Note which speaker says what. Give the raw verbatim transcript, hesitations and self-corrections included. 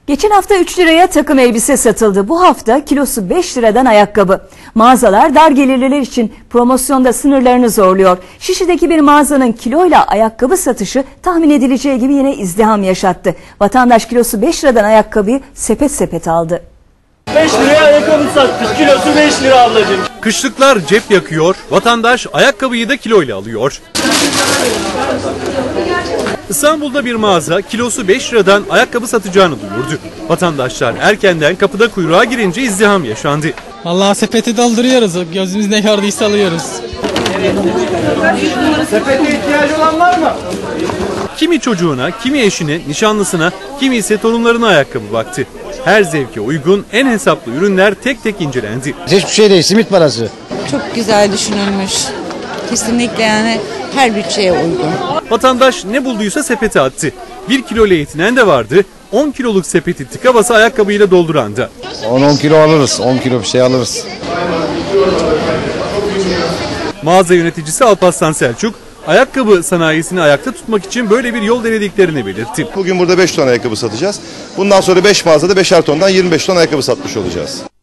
Speaker 1: Geçen hafta üç liraya takım elbise satıldı. Bu hafta kilosu beş liradan ayakkabı. Mağazalar dar gelirliler için promosyonda sınırlarını zorluyor. Şişli'deki bir mağazanın kiloyla ayakkabı satışı tahmin edileceği gibi yine izdiham yaşattı. Vatandaş kilosu beş liradan ayakkabıyı sepet sepet aldı.
Speaker 2: beş liraya ayakkabı sattık. Kilosu beş lira ablacığım.
Speaker 3: Kışlıklar cep yakıyor, vatandaş ayakkabıyı da kiloyla alıyor. İstanbul'da bir mağaza kilosu beş liradan ayakkabı satacağını duyurdu. Vatandaşlar erkenden kapıda kuyruğa girince izdiham yaşandı.
Speaker 4: Vallahi sepeti dolduruyoruz. Gözümüz ne gördüyse alıyoruz.
Speaker 2: Sepete ihtiyacı olan var mı?
Speaker 3: Kimi çocuğuna, kimi eşine, nişanlısına, kimi ise torunlarına ayakkabı baktı. Her zevke uygun en hesaplı ürünler tek tek incelendi.
Speaker 5: Hiçbir şey değil, simit parası.
Speaker 6: Çok güzel düşünülmüş. Kesinlikle yani her bütçeye uygun.
Speaker 3: Vatandaş ne bulduysa sepete attı. Bir kilo ile yetinen de vardı, on kiloluk sepeti tıka basa ayakkabıyla dolduran da.
Speaker 5: on on kilo alırız, on kilo bir şey alırız.
Speaker 3: Mağaza yöneticisi Alparslan Selçuk, ayakkabı sanayisini ayakta tutmak için böyle bir yol denediklerini belirtti.
Speaker 7: Bugün burada beş ton ayakkabı satacağız. Bundan sonra beş mağazada beşer tondan yirmi beş ton ayakkabı satmış olacağız.